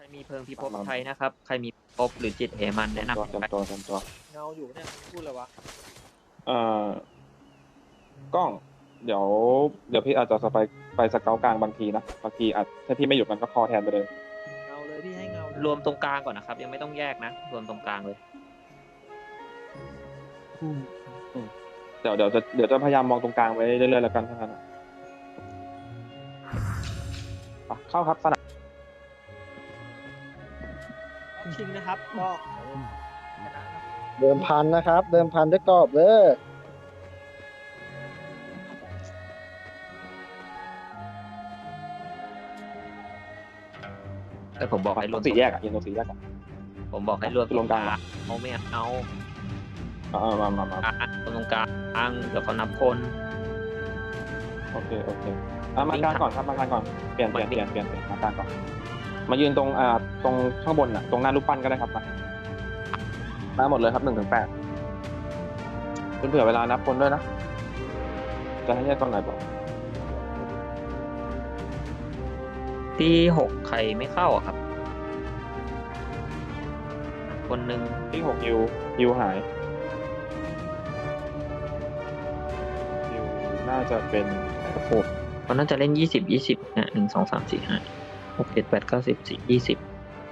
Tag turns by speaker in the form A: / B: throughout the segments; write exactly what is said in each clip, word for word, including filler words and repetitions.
A: มีเพิงพิภพไทยนะครับใครมีภพหรือจิตเหมันแนะนำ
B: เตรียมตัวเตรียมตัว
C: เงาอยู่เนี่ยพูดเลยวะ
B: เอ่อกล้อง เดี๋ยว เดี๋ยวพี่อาจจะสไปไปสเกลกลางบางทีนะบางทีอาจถ้าพี่ไม่หยุดมันก็คอแทนไปเลย
C: เงาเลยพี่ให้เงาเลย
A: รวมตรงกลางก่อนนะครับ ยังไม่ต้องแยกนะ รวมตรงกลางเลย
B: เดี๋ยวเดี๋ยวจะเดี๋ยวจะพยายามมองตรงกลางไว้เรื่อยๆแล้วกันทั้งนั้นอะอ่ะเข้าครับสนาม
C: ชิงนะครับก็ชนะนะ
D: เดิมพันนะครับ เดิมพันด้วยกรอบเลย
A: แต่ผมบอกให้ร
B: ตร
A: วม
B: งสี่แยกอ่ะยืนตรงสี่แยกอ่ะ
A: ผมบอกให้รวม
B: รวมกลางเหรอ
A: เอาไม่เอา
B: อ่ามามามา
A: อ่ะรวมตรงกลางเดี๋ยวเขานับคน
B: โอเคโอเคอ่ะมากลางก่อนครับมากลางก่อนเปลี่ยนเปลี่ยนเปลี่ยนเปลี่ยนเปลี่ยนมากลางก่อนมายืนตรงอ่าตรงข้างบนอ่ะตรงหน้ารูปปั้นก็ได้ครับมามาหมดเลยครับหนึ่งถึงแปดคุณเผื่อเวลานับคนด้วยนะจะให้แยกตอนไหนบอก
A: ที่หกใครไม่เข้าอะครับ คนหนึ่ง
B: ที่หกยูยูหายยูน่าจะเป็น
A: หกเขาน่าจะเล่นยี่สิบยี่สิบนะหนึ่งสองสามสี่ห้าหกเจ็ดแปดเก้าสิบสี่ยี่สิบ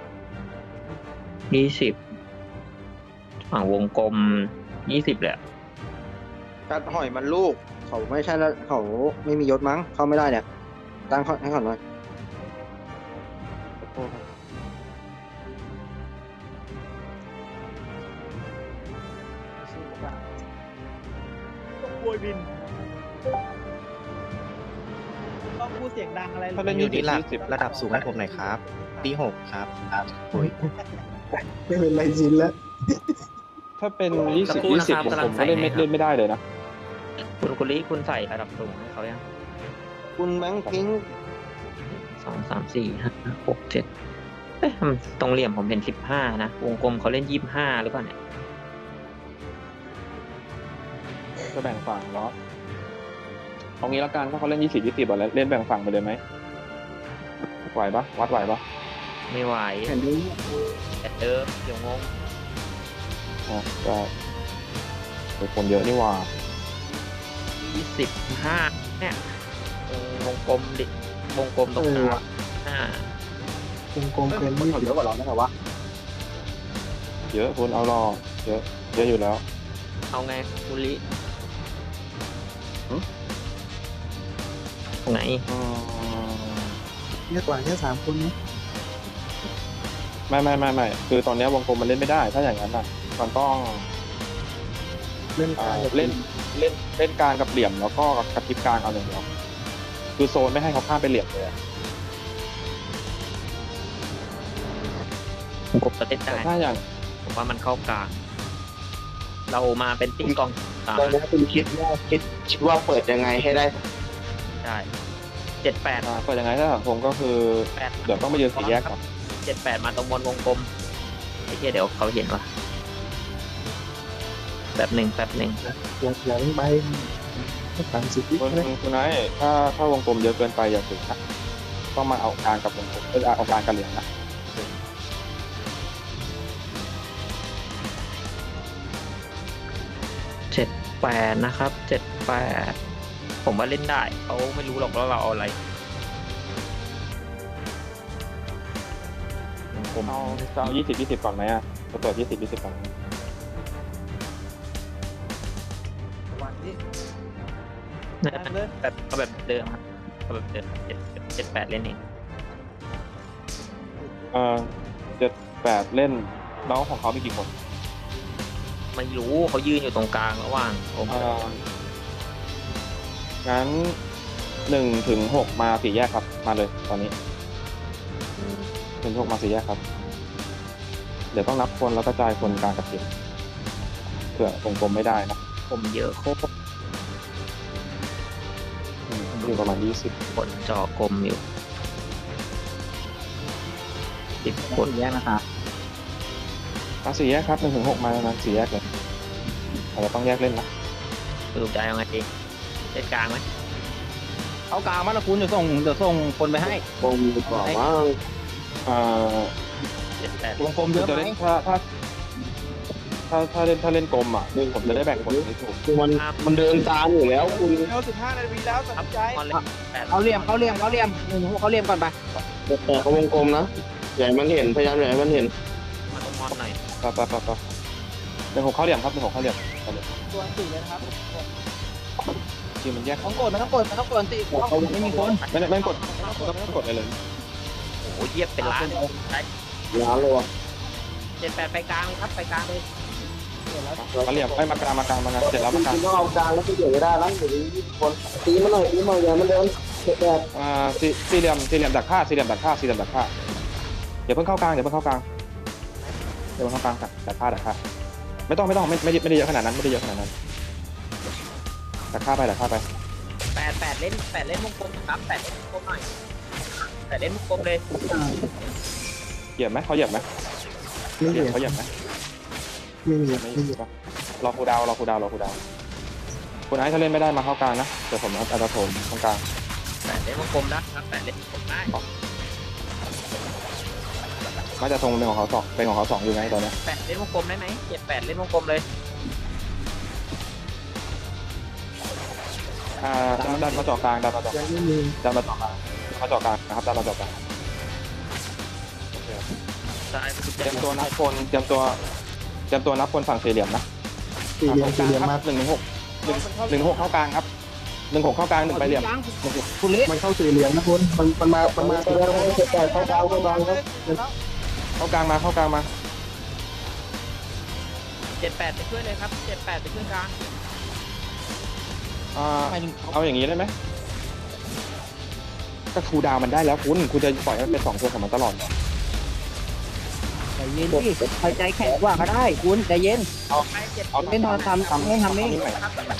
A: ยี่สิบฝั่งวงกลมยี่สิบแหละ
D: กัดหอยมันลูก เขาไม่ใช่แล้วเขาไม่มียศมั้ง เข้าไม่ได้เนี่ย ตั้งข้อให้ก่อนหน่อย
B: ขอโทษครับ
C: สู้กับต้องโวยบินต้องพูดเสียงดังอะไร
B: ถ้าเล่น
E: อ
B: ยี่
E: ยู่
B: สิบ
E: ที่หลัก
B: ยี่สิบ
E: ระดับสูงให้ผมหน่อยครับ ปีหกครับโอ้ย
D: ไม่เป็นไรจินแล้ว
B: ถ้าเป็นยี่
A: สัก
B: สิบ
A: ครู่
B: ยี่
A: นะ
B: สิบ
A: ครับ
B: ผม
A: กำลั
B: ผ
A: ง
B: ม
A: ใส่
B: ก็เล่นไม่
A: ให้ครับ
B: เล่นไม่ได้เลยนะ
A: คุณกุลิคุณใส่ระดับสูงให้เขายัง
D: คุณแบงค์พิงค์
A: สองสามสี่ห้าหกเจ็ดเอ๊ะมันตรงเหลี่ยมผมเห็นสิบห้านะวงกลมเขาเล่นยี่สิบห้าหรือเปล่าเนี่ย
B: จะแบ่งฝั่งเนาะเอางี้ละกันถ้าเขาเล่นยี่สิบยี่สิบอะเล่นแบ่งฝั่งไปเลยไหมไหวปะวัดไหวปะ
A: ไม่ไหว
D: เห็นดู
A: แต่เดิมเดี๋ยวงง
B: อ๋อก็เป็นคนเยอะนี่หว่า
A: ยี่สิบห้าเนี่ยตรงวงกลมดิวงกลมตรงกลางห้า
D: กลมกลมเกินยี่สิบเยอะกว่าเราได้เหรอวะ
B: เยอะคุณเอารอเยอะเยอะอยู่แล้ว
A: เอาไงกุลิ
B: หึ
A: ไง
B: อืม
D: เยอะกว่าแค่สามคนนี้
B: ไม่ไม่ไม่ไม่คือตอนนี้วงกลมมันเล่นไม่ได้ ถ้าอย่างนั้นอ่ะมันต้อง
D: เล่น
B: อ่า
D: การ
B: เล่นเล่นเล่นกลางกับเหลี่ยมแล้วก็กระพริบกลางเอาหนึ่งเดียวคือโซนไม่ให้เขาข้ามไปเหลี่ยมเลยอะ
A: วงกลมจะเล่น
B: แต่
A: ได้
B: ถ้าอย่าง
A: ผมว่ามันเข้ากลาง เรามาเป็นตีกองกลาง
D: ตอนนี้คุณคิดว่าคิดคิดว่าเปิดยังไงให้ได้
A: ได้เจ็ดแปด
B: อ่าก็ยังไงถ้าสังคมก็คือ
A: แปด
B: เดี๋ยวต้องไปยืนสี่แยกก่อน
A: เจ็ดแปดมาตรงบนวงกลมไอ้เหี้ยเดี๋ยวเขาเห็นว่ะแบบหนึ่งแบบหนึ่ง
D: ยังยังไปสามสิบวิ
B: คุณ
D: เลย
B: คุณนายถ้าถ้าวงกลมเยอะเกินไปอย่าถึงนะต้องมาเอากลางกับวงกลมเออเอากลางกับเหลี่ยมนะ
A: เจ็ดแปดนะครับเจ็ดแปดผมว่าเล่นได้เขาไม่รู้หรอกว่าเราเอาอะไรวงกลม
B: เอาจะเอายี่สิบยี่สิบก่อนไหมอ่ะจะเปิดยี่สิบยี่สิบก่อนไหม
C: วันนี้
A: นะ
C: ตั้งเลย
A: แบบเอาแบบเดิมครับเอาแบบเดิมเจ็ดเจ็ดแปดเล่นเอง
B: เออเจ็ดแปดเล่นน้องของเขามีกี่คน
A: ไม่รู้เขายืนอยู่ตรงกลางระหว่างผม
B: เอองั้นหนึ่งถึงหกมาสี่แยกครับ มาเลยตอนนี้หนึ่งถึงหกมาสี่แยกครับ เดี๋ยวต้องนับคนแล้วก็จ่ายคนกลางกับเหลี่ยมเผื่อวงกลมไม่ได้นะ
A: ผมเยอะโคตร
B: อืมอยู่ประมาณยี่สิบ
A: คนจอกลมอยู่สิบคน
D: แยกนะครับ
B: มาสี่แยกครับหนึ่งถึงหกมาแล้วนะสี่แยกเลยอาจจะต้องแยกเล่นนะ
A: สรุปใจเอาไงดีเล่นกลางไหม
E: เอากลางมาละคุณเดี๋ยวส่งเดี๋ยวส่งคนไปให้
D: วงมีกว่าว่า
B: เอ่อ
A: เจ็ดแปด
E: วงกลมเยอะ
B: จะ
E: ไหม
B: เล่นถ้าถ้าถ้าถ้าเล่นถ้าเล่นกลมอ่ะผมจะได้แบ่งผลให้ถูก
F: คือมันมันเดินตามอยู่แล้วคุณ
C: เร็วสิบห้านาทีแล้วตัด
A: ครับ
C: สินใจ
A: มอนเลยแปด
E: เขาเหลี่ยมเขาเหลี่ยมเขาเหลี่ยมหนึ่งหกเขาเหลี่ยมก่อนไป
F: แต่เขาวงกลมนะใหญ่มันเห็นพยายามใหญ่มันเห็น
A: มาตรงมอนหน่อย
B: ปะปะปะปะหนึ่งหกเข้าเหลี่ยมครับหนึ่งหกเข้าเหลี่ยม
C: ตัวสี่เลยนะครับ
B: ทีมมันแยก
E: ต้องกดมันต้องกดมันต้องกดสิไม่มีคน
B: ไม่ไม่กดไม่ต้องกดอะไรเลย
A: โอ้โหเยียบเป็นล้านใช่
F: ล้านเลยวะ
A: เจ็ดแปดไปกลางเลยครับไปกลางเลย
B: มาเหลี่ยมไม่มากลางมากลางมากลางเสร็จแล้วมากลาง
F: คุณต้องเอากลางแล้วไปเกี่ยวไม่ได้แล้วเดี๋ยวนี้คนตีมันหน่อยตีมันหน่อยอย่ามันเดินเก็บแบบ
B: อ่าสี่สี่เหลี่ยมสี่เหลี่ยมดักผ้าสี่เหลี่ยมดักผ้าสี่เหลี่ยมดักผ้าอย่าเพิ่งเข้ากลางอย่าเพิ่งเข้ากลางอย่าเพิ่งเข้ากลางดักผ้าดักผ้าไม่ต้องไม่ต้องไม่ไม่ไม่ได้เยอะขนาดนั้นไม่ได้เยอะขนาดนั้นดักผ้าไปดักผ้าไป
A: แปดแปดเล่นแปดเล่นวงกลมครับแปดเล่นวงกลมหน่อยแปดเล่นวงกลมเลย
B: เหยียบไหมเขาเหยียบไหม
F: ไม่
B: เห
F: มี
B: ยียบเขาเหยียบไหม
F: ไม่มี
B: ไม่เหยียบปะรอครูดาวรอครูดาวรอครูดาวคุณไอซ์ถ้าเล่นไม่ได้มาเข้ากลางนะเดี๋ยวผมอาจจะโถมตรงกลาง
A: แปดเล่นวงกลมนะครับแปดเล่นวงกลมได้
B: น่าจะทรงเป็นของเขาสองเป็นของเขาสองอยู่ไงตอนนี้
A: แปดเล่นวงกลมได้ไหมเจ็ดแปดเล่นวงกลมเลย
B: อ่าดันดันมาเจาะกลางดันมาเจาะ
F: ยังไม่มี
B: ดันมาเจาะกลางมาเจาะกลางนะครับดันมาเจาะกลาง
A: ซ้าย
B: เตรียมตัวนับคนเตรียมตัวเตรียมตัวนับคนฝั่งสี่เหลี่ยมนะ
F: สี่เหลี่ยมสี่เหลี่ยมมา
B: หนึ่งหนึ่งหกหนึ่งหนึ่งหกเข้ากลางครับหนึ่งหกเข้ากลางหนึ่งไปเหลี่ยม
E: คุณเละ
F: มันเข้าสี่เหลี่ยมนะคุณมันมันมามันมาไปแล้วเก็บแต่เข้ากลางเข้ากลางครับ
B: เข้ากลางมาเข้ากลางมา
A: เจ็ดแปดไปช่วยเลยครับเจ็ดแปดไปช่วยกลาง
B: อ่า
E: ไปหนึ่ง
B: เอาอย่างนี้ได้ไหมก็ครูดาวมันได้แล้วคุณคุณจะปล่อยให้มันเป็นสองตัวของมันตลอด
E: ใจเย็นดิใครใจแข็งกว่าก็ได้คุณใจเย็น
B: เอาเอา
E: เล่นทอนทำทำเล่นทำนี่
B: ใหม่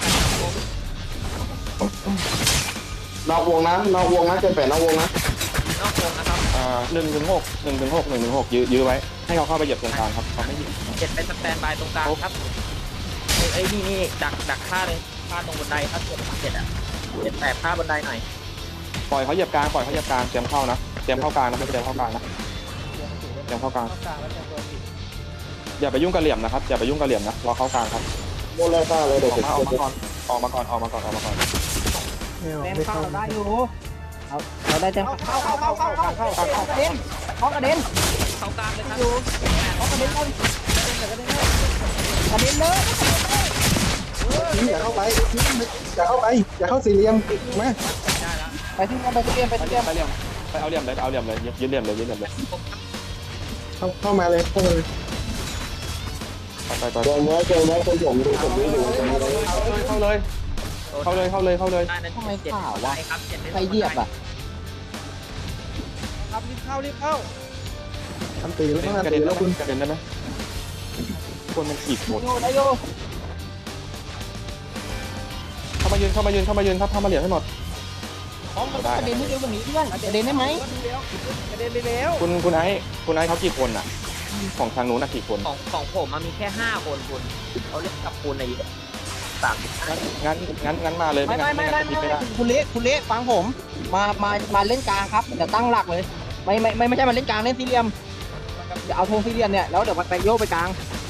F: นอกวงนะนอกวงนะเก็บแต่นอกวงนะ
A: นอกวงนะครับ
B: อ่าหนึ่งถึงหกหนึ่งถึงหกหนึ่งถึงหกยื้อยื้อไว้ให้เขาเข้าไปเหยียบตรงกลางครับเขาไม่เหยียบ
A: เจ็ดเป็นสแตนบายตรงกลางครับเอ้ยนี่นี่ดักดักฆ่าเลยฆ่าตรงบันไดครับเจ็ดเจ็ดอ่ะเจ็ดแปดฆ่าบันไดหน่อย
B: ปล่อยเขาเหยียบกลางปล่อยเขาเหยียบกลางเตรียมเข้านะเตรียมเข้ากลางนะไม่ใช่เตรียมเข้ากลางนะเตรียมเข้ากลาง
C: เข้ากลางแล้วจะตัวสี่
B: อย่าไปยุ่งกับเหลี่ยมนะครับอย่าไปยุ่งกับเหลี่ยมนะรอเข้ากลางครับ
F: โมเลซ่าเลย
B: อ
F: เดี๋ยว
B: อก
F: ผม
B: มาออกมาก่อนออกมาก่อนออกมาก่อนออกมาก่อน
E: แต้มเข้าได้อยู่เอาเราได้แต้ม
C: เข้าเข้าเข้าเข้าเข้าเข้าเข้า
E: เข้ากระเด็นเข้ากระเด็น
A: เข้ากลางเลยครับ
E: เข้ากระเด็นเลย
C: กระเด็น
E: กระเด็นเลย
F: อย่าเข้าไปอย่าเข้าไปอย่าเข้าสี่เหลี่ยมมา
A: ได้แล้ว
E: ไปที่ไปที่เรียนไป
B: ไป
E: ที่
B: เห
E: เรี
B: ลี่
E: ย
B: ย
E: น
B: มไปเหลี่ยมไปเอาเหลี่ยมเลยไปเอาเหลี่ยมเลยยืดเหลี่ยมเลยยืดเหลี่ยมเลย
F: เข้าเข้ามาเลยเข้ามาเลย
B: ไปไป
F: เจอไว้เจอไว้คนผมดูผมดูอยู่
B: เข้าเลยเข้าเลยเข้าเลยเข้าเลย
A: ได้นั้นเจ็ดได้ครับเจ็ด
E: ไปเหยียบอ่ะ
C: ครับรีบเข้ารีบเข้า
F: ทำตีแล้วต้อง
B: กระ
F: ตี
B: เด็น
F: แล้
B: แล้ว ว
F: คุ
B: คุณ ณกระเด็นได้ไหมคนมันขีดหมด
E: อยู่ได้อยู่
B: เข้ามายืนเข้ามายืนเข้ามายืนครับเข้ามาเหลี่ยมให้หมด
E: กระเด็นให้เร็วกว่านี้เพื่อนกระเด็นได้ไหม
C: กระเด็นไปแล้ว
B: คุณคุณไอ้คุณไอ้เขากี่คนอ่ะของทางนู้นน่ะกี่คน
A: ของของผมมันมีแค่ห้าคนคุณเขาเล่นกับคุณในสามสิบห้า
B: งั้นงั้นงั้นมาเลย
E: ไม่
B: งั้
E: ไม่
B: น
E: ไม่
B: งั้น
E: ไม่
B: จะคิดไม่ได้
E: คุณเละคุณเละฟังผม มามามาเล่นกลางครับเดี๋ยวตั้งหลักเลย ไม่ไม่ไม่ไม่ใช่มาเล่นกลางเล่นสี่เหลี่ยมเดี๋ยวเอาธงสี่เหลี่ยมเนี่ยแล้วเดี๋ยวไปโยกไปกลาง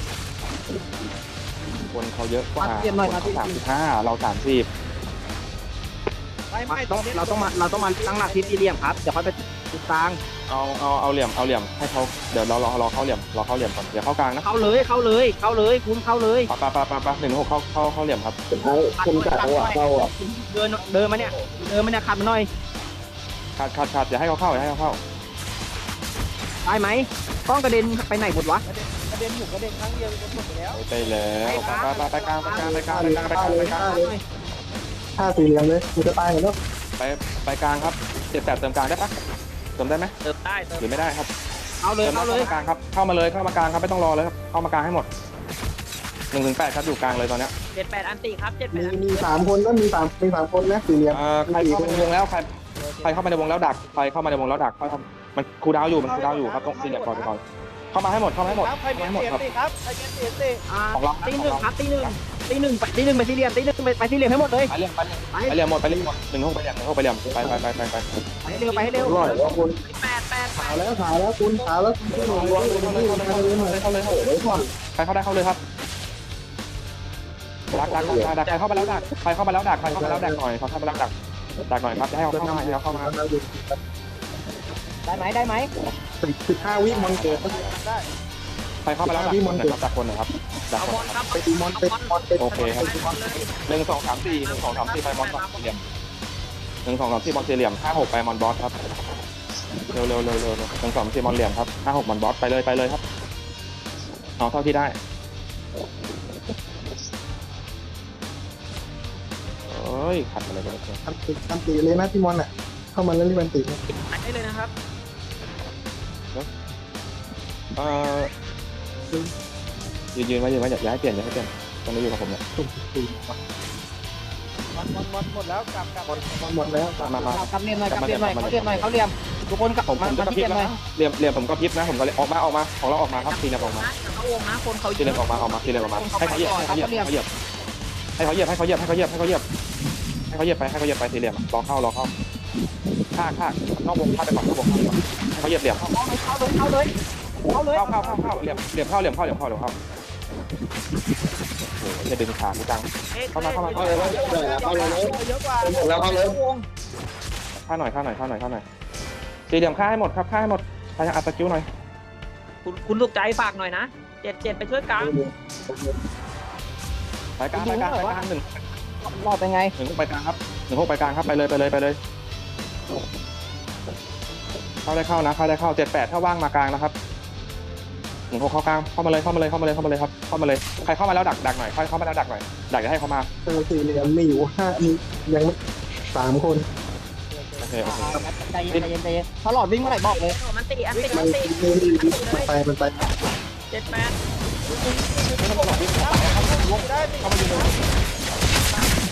B: คนเขาเยอะกว่า
E: มาเตรียมหน่อยมา
B: สามสิบห้าเราสามสิบ
C: ไม่ไม่
E: ต้องเราต้องมาเราต้องมาตั้งหลักที่สี่เหลี่ยมครับเดี๋ยวค่อยไปติดกลาง
B: เอาเอาเอาเหลี่ยมเอาเหลี่ยมให้เขาเดี๋ยวเรารอรอเข้าเหลี่ยมรอเข้าเหลี่ยมก่อนเดี๋ยวเข้ากลางนะ
E: เข้าเลยเข้าเลยเข้าเลยคุณเข้าเลย
B: ปะปะปะปะปะหนึ่งหกเข้าเข้าเข้าเหลี่ยมครับ
F: สุดท้ายคนจัดจังหวะเข้าอ่ะ
E: เดินเดินมาเนี่ยเดินมาเนี่ยขัดมาหน่อย
B: ขาดขาดขาดอย่าให้เขาเข้าอย่าให้เขาเข้า
E: ได้ไหมต้องกระเด็นไปไหนหมดวะ
C: กระเด็นอยู่กระเด็นครั้งเดียวจะหมดไปแล้ว
B: ไปแล้วไปไปไปกลางไปกลางไปกลางไปกลางไปกลางไปกลาง
F: ห้าสี่เหลี่ยมเลยกูจะตายหมดแล้ว
B: ไปไปกลางครับเจ็ดแปดเติมกลางได้ปะเติมได้ไหม
A: เติมได้เติม
B: หรือไม่ได้ครับ
E: เอาเลย
B: เติม
E: เข้าเลย
B: กลางครับเข้ามาเลยเข้ามากลางครับไม่ต้องรอเลยครับเข้ามากลางให้หมดหนึ่งถึงแปดครับอยู่กลางเลยตอนเนี้ย
A: เจ็ดแปดอันตีครับเจ็ดแป
F: มี
A: ด
F: มีสามคนก็มีสามมีสามคนนะสี่เหลี่ยม
B: เอ่อใครเข้ามาในวงแล้วใครใครเข้ามาในวงแล้วดักใครเข้ามาในวงแล้วดักค่อยทำมันคูดาวอยู่มันคูดาวอยู่ครับต้องซีเรียสก่อนก่อนเข้ามาให้หมดเข้ามาให้หมด
C: ครับใคร
B: เข้า
C: มี
B: มาให้หมด
C: เสีย
B: ครับ
C: ตีครับใครมีเสียตี
E: อ่าตีหนึ่งครับตีหนึ่งตีหนึ่งไปตีหนึ่งไปสี่เหลี่ยมตีหนึ่งไปไปสี่เหลี่ยมให้หมดเลย
B: ไปเรียมไปเรียมไปเรียมหมดไปเรียมหมดหนึ่งห้องไปเรียมหนึ่งห้องไปเรียมไปไปไปไปไป
E: ไปให้เร็วไปให้เร็ว
F: อร่อยแล้วคุณ
E: แปดแปด
F: ขาวแล้วขาวแล้วคุณขาวแล้วคุณลงลงลงที่มาเลยมาเลย
B: เข้าเลยเข้าเลยใครเข้าได้เข้าเลยครับดักดักดักดักใครเข้ามาแล้วดักใครเข้ามาแล้วดักใครเข้ามาแล้วดักหน่อยเขาเข้ามาแล้วดักดักหน่อยครับให้เขาเข้ามาให้เขาเข้ามา
E: ได้ไหมได้ไหม
F: สิบสิบห้าวิมอนเกิด
C: ได้
B: ใครเข้ามาแล้วดักคนนะครับดักคนนะครับดัก
A: เอา
B: คน
A: บอลครับ
F: ไปตีมอนเป็นมอนเป็น
B: โอเคครับ
A: บอลเลย
B: หนึ่งสองสามสี่หนึ่งสองสามสี่ไปมอนสี่เหลี่ยมหนึ่งสองสามสี่มอนสี่เหลี่ยมห้าหกไปมอนบอสครับเร็วเร็วเร็วเร็วหนึ่งสองสี่มอนเหลี่ยมครับห้าหกมอนบอสไปเลยไปเลยครับเอาเท่าที่ได้เอ้ยขัดอะไรกันเนี่ย
F: อันติอันติเลยนะที่มอนอ่ะเข้ามาแล้วรีบอันติ
A: ได้เลยนะครับ
B: เออยืนยืนไว้ยืนไว้อย่าให้เปลี่ยนอย่าให้เปลี่ยนตอนนี้อยู่กับผมเนี่ย
F: ตุ่มตี
C: มันมันมันหมดแล้วกลับกลับ
F: มอนหมดแล้ว
B: มามามา
E: กลับเรียมหน่อยกลับเรียมหน่อยเขาเรียมหน่อยเขาเรียมทุกคนกลับ
B: ผมผ
E: มาม
B: จะ
E: มาก
B: ระ
E: ที่
B: พริบ
E: เรียมห
B: แล้
E: น่อ
B: วย นะเหลี่ยมเหลี่ยมผมก็พริบนะผมก็เลยออกมาออกมาของเราออกมาครับทีเหลี่ยมออกมา
A: เขาวงนะคนเขา
B: ทีเหลี่ยมออกมาออกมาทีเหลี่ยมออกมาให้เขาเหยียบให้เขาเหยียบให้เขาเหยียบให้เขาเหยียบให้เขาเหยียบให้เขาเหยียบให้เขาเหยียบให้เขาเหยียบไปให้เขาเหยียบไปทีเหลี่ยมลองเข้าลองเข้าฆ่าฆ่านอกวงฆ่าไปก่อนนอกวงฆ่าไปก่อนให้เขาเหยียบเหลี่ยม
E: เข้าเลยเข้าเลยเข้าเลยเข้าเลย
B: เข้าเข้าเข้าเข้าเหลี่ยมเหลี่ยมเข้าเหลี่ยมเข้าเหลี่ยมเข้าเหลี่ยมเข้าโอ้โหจะดึงขากูจังเข้ามาเข้ามาเข้าเลย
F: เอาเลย
C: เยอะกว่า
F: แล้วเอาเลย
B: ฆ่าหน่อยฆ่าหน่อยฆ่าหน่อยฆ่าหน่อยสี่เหลี่ยมฆ่าให้หมดครับฆ่าให้หมดใครจะอัดสกิลหน่อย
A: คุณคุณสุขใจฝากหน่อยนะเจ็ดเจ็ดไปช่วยกลาง
B: ไปกลางไปกลางไปกลางหนึ่ง
E: รอดเป็นไง
B: หนึ่งหกไปกลางครับหนึ่งหกไปกลางครับไปเลยไปเลยไปเลยเข้าได้เข้านะเข้าได้เข้าเจ็ดแปดถ้าว่างมากลางนะครับหนึ่งหกเข้ากลางเข้ามาเลยเข้ามาเลยเข้ามาเลยเข้ามาเลยครับเข้ามาเลยใครเข้ามาแล้วดักดักหน่อยใครเข้ามาแล้วดักหน่อยดักจะให้เขามา
F: เออสี่เหลี่ยมมีอยู่ห้ามียังไม่สามคน
B: โอเคโอเค
E: ใจเย็นใจเย็นใจเย็นถ้าหลอดวิ่งเมื่อไหร่บอกเลย
A: มันตีอันตี
F: มั
A: มัน นตี
F: มันไปมันไป
A: เจ็ดแปด
B: เข้ามายืนเลย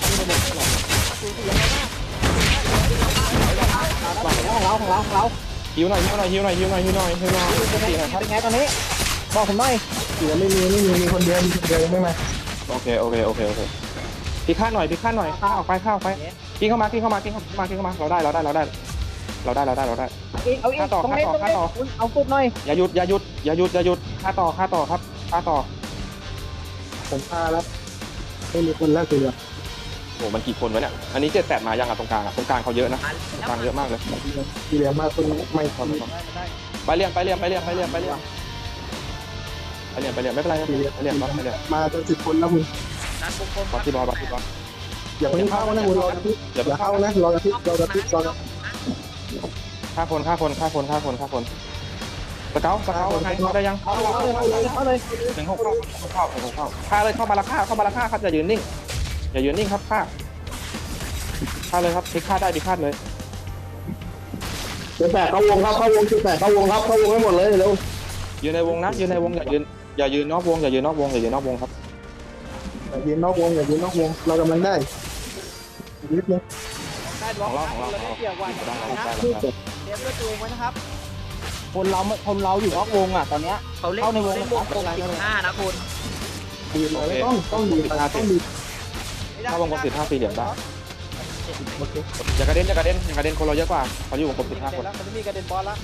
E: ของเราของเราของเรา
B: ฮิวหน่อยฮิวหน่อยฮิวหน่อยฮิวหน่อยฮิวหน่อยฮิวหน่อยสี่หน่อยครับ
E: เป็นไงตอนนี้บอกผมหน่อย
F: เสียไม่มีไม่มีมีคนเดียวมีคนเดียวยังไม่มา
B: โอเคโอเคโอเคโอเคพี่ข้าหน่อยพี่ข้าหน่อยข้าออกไปข้าออกไปกินเข้ามากินเข้ามากินเข้ามากินเข้ามาเราได้เราได้เราได้เราได้เราได้เราได้
E: เอาอีกตรงนี้ตรงนี้เอาสุดหน่อย
B: อย่าหยุดอย่าหยุดอย่าหยุดอย่าหยุดข้าต่อข้าต่อครับข้าต่อ
F: ผมพาแล้วไม่มีคนแล้วสี่เหลี่ยม
B: โอ้มันกี่คนวะเนี่ยอันนี้เจ็ดแปดมายังอ่ะตรงกลางอ่ะตรงกลางเขาเยอะนะตรงกลางเยอะมากเลย
F: สี่เหลี่ยมมาคนไม่พอ
B: ไปเรียนไปเรียนไปเรียนไปเรียนไปเรียนไปเรียนไปเรียนไม่เป็นไรครับไปเรียนไปเรียนไปเรียน
F: มาจนสิบคนแล้วคุณ
A: การวงกลม
B: บอสที่บอลบอสที่บอล
F: อย่าเพิ่งเข้านะคุณรอกระพริบอย่าเข้านะรอกระพริบรอกระพริบรอกระพริบ
B: ฆ่าคนฆ่าคนฆ่าคนฆ่าคนฆ่าคนสเกลสเกลไงเข้าได้ยัง
E: เอาเลยเอาเลยเอาเลย
B: หนึ่งหกเข้าเข้าหนึ่งหกเข้าฆ่าเลยเข้ามาละฆ่าเข้ามาละฆ่าครับอย่ายืนนิ่งอย่ายืนนิ่งครับฆ่าฆ่าเลยครับพิฆาตได้พิฆาตเลย
F: จุดแปดเข้าวงครับเข้าวงจุดแปดเข้าวงครับเข้าวงให้หมดเลยเร็ว
B: ยืนในวงนะยืนในวงอย่ายืนอย่ายืนนอกวงอย่ายืนนอกวงอย่ายืนนอกวงครับ
F: อย่ายืนนอกวงอย่ายืนนอกวงเรากำลังได้นิดนึง
C: ได้บล็อกเราได้เกี่ยวกว่า
B: ได้
C: นะ
B: ได้ได้
C: เตรียมด้วยตัวเองไว้นะครับ
E: คนเราคนเราอยู่นอกวงอ่ะตอนเนี้ย
A: เขาเล่นเล่นวงกลมสิบห้านะคุณ
F: ดีเลยต้องต้องดีต้องดี
B: ถ้าวงกลมสิบห้าสี่เหลี่ยมได้อย่ากระเด็นอย่ากระเด็นอย่ากระเด็นคนเราเยอะกว่าเขาอยู่วงกลมสิบห้าคน
C: แล้วมันจะมีกระเด็นบอลละ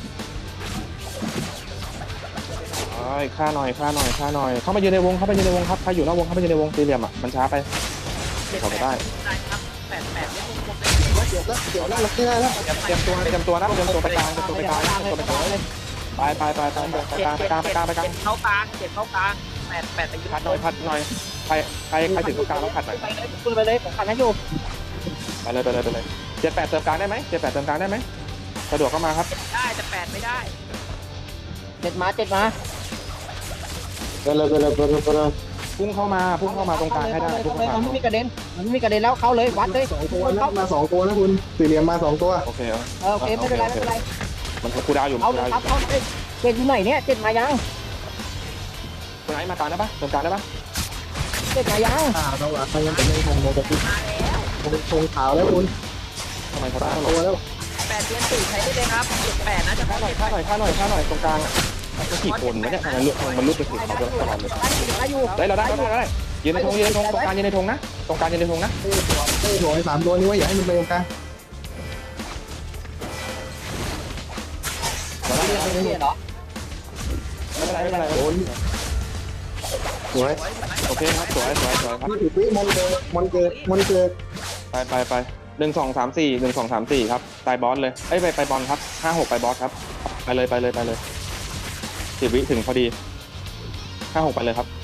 B: ฆ่าหน่อยฆ่าหน่อยฆ่าหน่อยเข้ามายืนในวงเข้ามายืนในวงครับใครอยู่นอกวงเข้ามายืนในวงสี่เหลี่ยมอ่ะมันช้าไปเขาไม่ได้
A: ได้ครับแปดแปดเล่นวงกลม
F: เดี๋ยวแล้วเดี๋ยวแล้วเราไม่ได้แล้ว
B: เตรียมตัวเตรียมตัวนะเตรียมตัวไปกลางเตรียมตัวไปกลางเตรียมตัวไปกลางไปไปไปไปไปกลางไปกลางไปกลางไปกลาง
A: เข้ากลางเจ็ดเข้ากลางแปดแปดไปยึด
B: พัดหน่อยพัดหน่อยใครใครใครถึงตรงกลางแล้วพัดหน่อย
E: ไปเลยคุณไปเลยผมขันให้อยู่
B: ไปเลยไปเลยไปเลยเจ็ดแปดเติมกลางได้ไหมเจ็ดแปดเติมกลางได้ไหมสะดวกเข้ามาครับ
A: ได้แต่แปดไม่ได้
E: เจ็ดมาเจ็ดมา
F: ไปเลยไปเลยไปเลยไปเลย
B: พุ่งเข้ามาพุ่งเข้ามาตรงกลางให้ได้พุ่ง
E: เลย
B: เข้า
E: มัน
B: มา
E: ไม่มีกระเด็นมันไม่มีกระเด็นแล้วเข้าเลยวัดเลย
F: สองตัวนะมาสองตัวนะคุณสี่เหลี่ยมมาสองตัว
B: โอเค
E: เออโอเคไม่เป็นไรไม่เป็นไร
B: มันคูดาวอยู่
E: เอา
B: คู
E: เลย
B: ดาวอ
E: ครับ
B: ยู่
E: เอาเลยเจ็ดอยู่ไหนเนี่ยเจ็ดมายัง
B: คุณไอ้มากลางได้ปะเติมกลางได้ปะ
E: เจ็ดมายัง
F: อ่าเราหลักไปยังเป็นยังคงโมกระพริบ
A: มาแล้ว
F: คงขาวแล้วคุณ
B: ทำไมเขาได้
F: สาม
B: หรอ
F: ตัวแล้ว
A: แปดเดือนสี่ใช้ได้เลยครับเจ็ดแปดนะจะ
B: ฆ่า
A: เข้า
B: หน่อย
A: เจ็ด
B: ฆ่าหน่อยฆ่าหน่อยฆ่าหน่อยตรงกลางมันกี่คนวะเนี่ยทำไมลุกมันลุกไปถึงเขาตลอดเลย
E: ได้อยู่ได้อยู่
B: ได้เราได้เราได้ยืนในธงยืนในธงตรงกลางยืนในธงนะตรงกลางยืนในธงนะ
F: เต้เต้โถไอ้สามตัวนี้ไว้อย่าให้มันไปตรงกลาง
E: ซีเรียมเหรอ
B: ไม่เป็นไรไม่เป็นไร
F: โดนสวย
B: โอเคครับสวยสวยสวยครับ
F: ยี่สิบวิมอนเกิดมอนเกิดมอนเกิด
B: ไปไปไปหนึ่งสองสามสี่หนึ่งสองสามสี่ครับไปบอสเลยเอ้ยไปไปบอลครับห้าหกไปบอสครับไปเลยไปเลยไปเลยสิบวิถึงพอดีห้าหกไปเลยครับ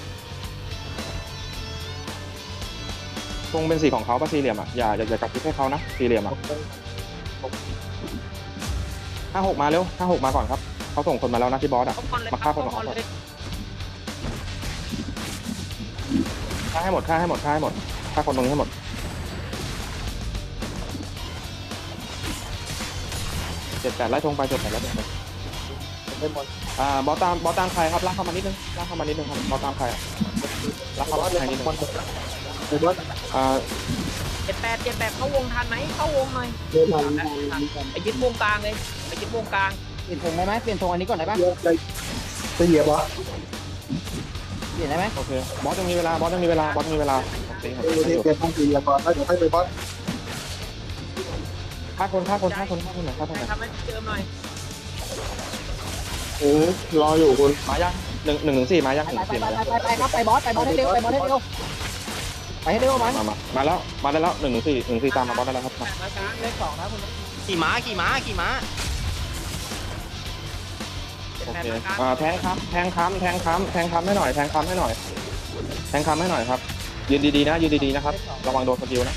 B: ตรงเป็นสีของเขาป่ะสี่เหลี่ยมอ่ะอย่าอย่าอย่ากลับทิศให้เขานะสี่เหลี่ยมอ่ะห้าหกมาเร็วห้าหกมาก่อนครับเขาส่งคนมาแล้วนะที่บอสอ่ะมาฆ่าคนของเขาก่อนฆ่าให้หมดฆ่าให้หมดฆ่าให้หมดฆ่าคนตรงนี้ให้หมดเจ็ดแปดไล่ทงไปเจ็ดแปดไล่ทงไปอ่าบอสตามบอสตามใครครับลากเข้ามานิดนึงลากเข้ามานิดนึงครับบอสตามใครลากเข้ามาใครนิดนึงอ่า
A: เจ็ดแปดเจ็ดแปดเข้าวงทันไหมเข้าวงหน่อย
F: เดินทาง
A: ไปยึดวงกลางเลยไปยึดวงกลาง
E: เปลี่ยนธงได้ไหมเปลี่ยนธงอันนี้ก่อนได้ปะ
F: จะเหยียบวะ
E: เปลี่ยนได้ไหม
B: โอเคบอสยังมีเวลาบอสยังมีเวลาบอสยังมีเวลาโอเคครับ
F: เดี๋ยวเปลี่ยนทางสี่เหยียบก่อนแล้วเดี๋ยวค่อยไปบอส
B: ฆ่าคนฆ่าคนฆ่าคนฆ่าคนหน่อยฆ่าคนหน่อย
A: ทำให้เจิมหน่อย
F: เออรออยู่คุณ
B: มายังหนึ่งหนึ่งถึงสี่มายัง
E: ไป
B: หนึ่ง
E: ไป
B: สี่
E: ไป
B: มายัง
E: ไปไปครับไปบอสไปบอสให้เร็วไปบอสให้เร็วไปให้เร็วมัน
B: มามามาแล้วมาได้แล้วหนึ่งถึงสี่หนึ่งสี่ตามมาบอสได้แล้วครับ
A: แปดมากลางเลขสองนะคุณ
C: ขี่ม้าขี่ม้าขี่ม้า
B: โอเคอ่าแทงค้ำแทงค้ำแทงค้ำแทงค้ำให้หน่อยแทงค้ำให้หน่อยแทงค้ำให้หน่อยครับยืนดีๆนะยืนดีๆนะครับระวังโดนสกิลนะ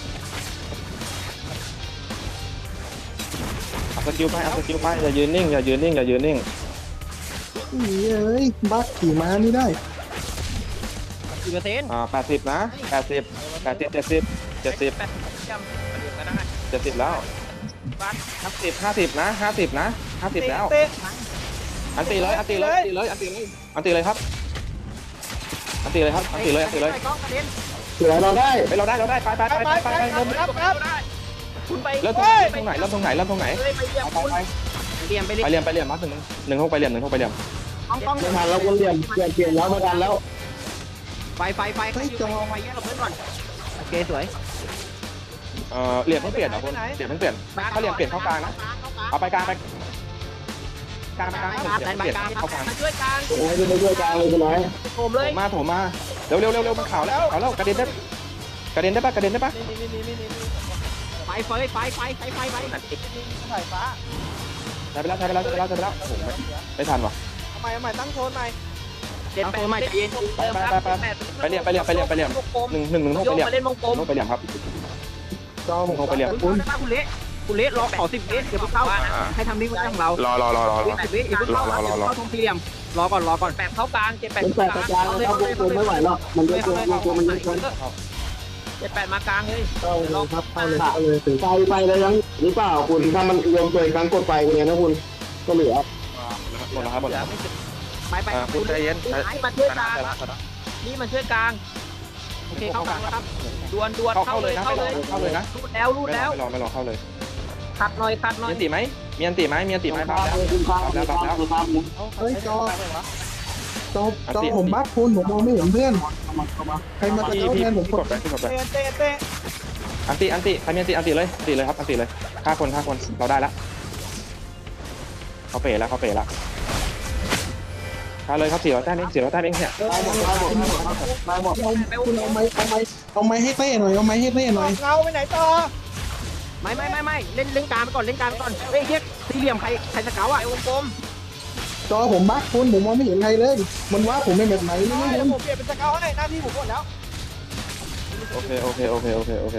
B: เอาสกิลไปเอาสกิลไปอย่ายืนนิ่งอย่ายืนนิ่งอย่ายืนนิ่ง
F: นี่เอ้ยบักขี่ม้าไม่ได้
C: กี่เปอร์เซ็นต์
B: อ่าแปดสิบนะแปดสิบแปดสิบเจ็ดสิบเจ็ดสิบ
A: แปดจำประเดี๋ยวก็ได้
B: เจ็ดสิบแล้ว
A: บ้าน
B: ห้าสิบห้าสิบนะห้าสิบนะห้าสิบแล้ว
C: เตะ
B: อันตีเลยอันตีเลยอันตีเลยอันตีเลยอันตีเลยครับอันตีเลยครับอันตีเลยอันตีเลย
A: กล้องกระเด็น
F: เสือเราได้
B: ไปเราได้เราได้ไปไปไปไปไปไปเริ่ม
C: ครับครับ
A: คุณไป
B: เริ่มตรงไหนเริ่มตรงไหนเริ่มตรงไหน
A: เลยไปเยี่ยม
B: ไป
A: คุณ
B: ไป
E: เรียมไป
B: ไปเรียนไปเรียนมาหนึ่งหนึ่งห้องไปเรียนหนึ่งห้องไปเรียน
E: ต้องต้อง
F: ไม่ทันแล้วคนเรียนเปลี่ยนเปลี่ยนแล้วไม่ทันแล้ว
E: ไฟไฟไฟไฟไฟแยกกับเพื่อนก่อนโอเคสวย
B: เอ่อเรียนเพิ่งเปลี่ยนเหรอคุณเรียนเพิ่งเปลี่ยนถ้าเรียนเปลี่ยนเข้ากลางนะเอาไปกลางไปกลางไปกลางเปลี่ยนเข้ากลาง
A: มาช่วยกัน
F: โอ้ยไม่ช่วยกลางเลยคุณน้อย
A: โผมเลย
B: มาโถมาเร็วเร็วเร็วเร็วมันข่าวแล้วข่าวแล้วกระเด็นได้กระเด็นได้ปะกระเด็นได้ปะ
C: นี่นี่นี่นี่นี่
E: ไฟไฟไฟไฟไฟไฟไฟ
C: สายฟ้า
B: ใช้ไปแล้วใช้ไปแล้วใช้ไปแล้วใช้ไปแล้วโอ้โหไม่ไม่ทันว่ะ
C: ทำไมทำไมตั้งโซนใหม่
A: เจ็ดแปดไปเย็น
B: ไปเรียนไปเรียนไปเรียนไปเรียนหนึ่งหนึ่งหนึ่งห้อง
A: โย
B: ไป
A: ก
B: เรียน
A: มาเล่นวงกลม
B: ห้องไปเรียนครับ
F: จอผม
B: ห้องไปเรียน
E: คุณคุณเละคุณเละรอขอสิบวิเดี๋ยวเข้าให้ทำนิ่งไว้ของเรา
B: รอรอรอรอรอ
E: สิบวิอีกเข้าเข้าทงสี่เหลี่ยมรอก่อนรอก่อน
A: แปดเข้ากลางเจ็ดแปด
F: เป็นแปดกลางนะครับวงกลมไม่ไหวหรอกมันเยอะเกินวงกลมมันเยอะเกิน
A: เจ็ดแปดมากลางเลย
F: เข้าเลยครับเข้าเลยเข้าเลยถึงไฟไฟเลยยังหรือเปล่าคุณถ้ามันรวมตัวอีกครั้งกดไฟเลยนะคุณก็เหลือ
B: หมดแล้วครับหมดแล้ว
E: ไปไป
B: คุณใจเย็น
A: นี่มาช่วยกลางนี่มาช่วยกลาง
E: โอเคเข้ากลางแล้วครับ
A: ดวนดวน
B: เข้า
A: เข้า
B: เข้า
A: เล
B: เลย ยนะ
A: เข้าเลย
B: เข้าเลยนะ
A: รูดแล้วรูด
B: ไม่
A: แล้ว
B: รอไม่รอเข้าเลย
A: ขัดหน่อยขัดหน่อย
B: มีอันติไหมมีอันติไหมมีอันติไหมครับแล้ว
F: คุณครับ
B: แล้วแล้ว
F: เฮ้ยจอจอจอผมบักคุณผมมองไม่เห็นเพื่อนใครมาตะ
B: พี่
F: เก้า
B: พี่
F: แทนผม
B: พี่
F: ก
B: ก
F: ด
B: ดไปพี่กดไป
C: เตะเตะเตะ
B: อันติอันติใครมีอันติอันติเลยอันติเลยครับอันติเลยฆ่าคนฆ่าคนเราได้แล้วเขาเป๋แล้วเขาเป๋แล้วฆ่าเลยครับสี่ร้อยแต้มเองสี่ร้อยแต้มเองเนี่ย
F: ตายหมดตายหมดตายหมดตายหมดคุณเอาไม้เอาไม้เอาไม้ให้เต้หน่อยเอาไม้ให้เต้หน่อย
C: เงาไปไหนต่อ
E: ไม่ไม่ไม่ไม่เล่นเล่นกลางไปก่อนเล่นกลางไปก่อนเฮ้ยเฮียสี่เหลี่ยมใครใครสเกาอ่ะ
A: ไอ้วงกลม
F: จอผมบักคุณผมมองไม่เห็นใครเลย มันว่าผมเป็นแบบไหนไม่
C: เดี๋ยว
F: รู้
C: ผมเปลี่ยนเป็นสเกลให้หน้าที่ผมหมดแล้ว
B: โอเคโอเคโอเคโอเคโอเค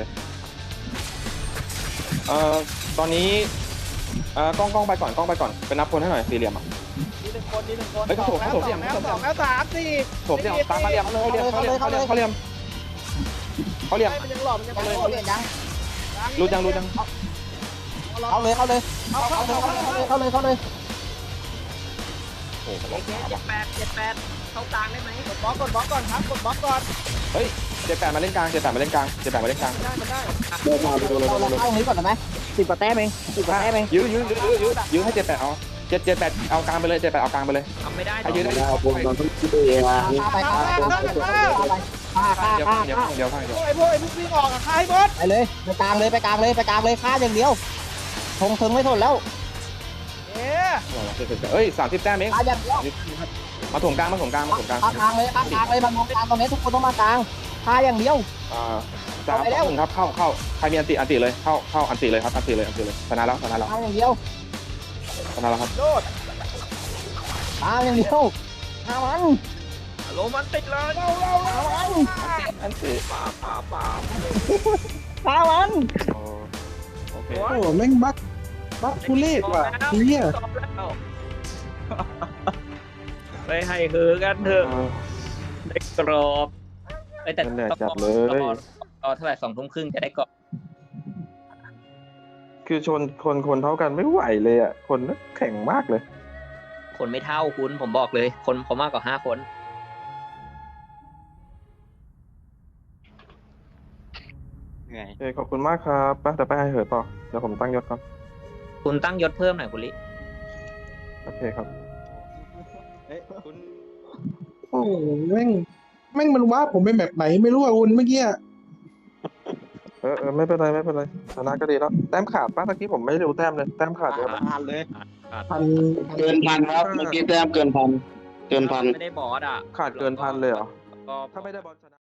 B: เอ่อตอนนี้เอ่อกล้องกล้องไปก่อนกล้องไปก่อนไปนับคนให้หน่อยสี่เหลี่ยมอ่ะ
C: นี่หนึ่งคนนี่หนึ่งคน
B: เฮ้ยเขาโถม
C: แล้ว
B: เขาโถม
C: สองแล้วสองแล้วสามสี่
B: ผมเนี่ยตามมาเหลี่ยมเขาเหลี่ยมเขาเหลี่ยมเขาเหลี่ยมเขาเหลี่ยมเขาเหลี่ยม
C: มันยังหล่อมันยัง
E: เขาเลย
C: หล่อ
E: เขาเลยยัง
B: รู้จังรู้จัง
E: เขาเลยเขาเลย
C: เอาเข้า
E: เขา
C: เข้า
E: เลย
C: เข้า
E: เขาเลยเขาเลย
B: โอ้โห
A: โอเคเจ็ดแปดเจ็ดแปดเข้ากลางได้ไหม
C: กดบล็อกกดบล็อกก่อนครับกดบล็อกก่อน
B: เฮ้ยเจ็ดแปดมาเล่นกลางเจ็ดแปดมาเล่นกลางเจ็ดแปดมาเล่นกลาง
C: ได้มันได้
F: เดินมาไปดูเลย
E: เราเราเข้าตรงนี้ก่อนได้ไหมสิบกว่าแต้มเองสิบกว่าแต้มเอง
B: ยื้อยื้อยื้อยื้อยื้อยื้อให้เจ็ดแปดเอาเจ็ดเจ็ดแปดเอากลางไปเลยเจ็ดแปดเอากลางไปเลย
A: ทำไม่ได้
B: ใครยืนได้
F: ได้คุณมันต้องคิดเองอ่ะ
E: ฆ่าไปฆ่าไปฆ่าไปฆ่าฆ่า
B: เดี๋ยว
E: ฆ่า
B: เดี๋ยว
E: ฆ่า
B: เดี๋ยวข้างเดียว
C: พวกไอ้พวกไอ้พวกวิ่งออกอะฆ่าให้หมด
E: ไปเลยไปกลางเลยไปกลางเลยไปกลางเลยฆ่าอย่างเดียวทงเทิงไม่ทนแล้ว
C: เอ๊ะ
B: เอ้ยสามสิบแต้มเอง
E: ฆ่าอย่างเดียว
B: มาถ่วงกลางมาถ่วงกลางมาถ่วงกลาง
E: ฆ่ากลางเลยฆ่ากลางเลยมันมองกลางตรงนี้ทุกคนต้องมากลางฆ่าอย่างเดียว
B: อ่าสามสองหนึ่งครับเข้าเข้าใครมีอันติอันติเลยเข้าเข้าอันติเลยครับอันติเลยอันติเลยชนะแล้วชนะแล้ว
E: ฆ่าอย่างเดียว
B: ชนะแล้วครับ
C: โดด
E: ฆ่าอย่างเดียวฆ่ามัน
A: โรมันติดเลย
C: เร็วเร็วเร็ว
B: อันติ
A: ป่าป่าป่า
E: ฆ่ามัน
B: โอเค
F: โอ้แม่งบักบักทุเรศว่ะเฮีย
A: ตอบแล้วไปให้คือกันเถอะได้กรอบไปแต่
B: เหนื่อยจัดเลย
A: รอเท่าไหร่สองทุ่มครึ่งจะได้กรอบ
B: คือชนคนคนเท่ากันไม่ไหวเลยอ่ะคนแข็งมากเลย
A: คนไม่เท่าคุณผมบอกเลย คนเขามากกว่าห้าคน
D: เหนื่อย
B: โอเคขอบคุณมากครับไปแต่ไปให้เหอะต่อเดี๋ยวผมตั้งยศก่อน
A: คุณตั้งยศเพิ่มหน่อยคุณลิ
B: โอเคครับ
D: เฮ้ยคุณ
F: โอ้แม่งแม่งมันว่าผมเป็นแบบไหนไม่รู้อ่ะคุณเมื่อกี้
B: เออเออไม่เป็นไรไม่เป็นไรชนะก็ดีแล้วแต้มขาดป้าตะกี้ผมไม่รู้แต้มเลยแต้มขาดเยอะมาก
D: อ่านเลย
F: พันเกินพันครับเมื่อกี้แต้มเกินพันเกินพัน
A: ไม่ได้บอสอ่ะ
B: ขาดเกินพันเลยเหรอ
A: ก็
B: ถ้าไม่ได้บอลชนะ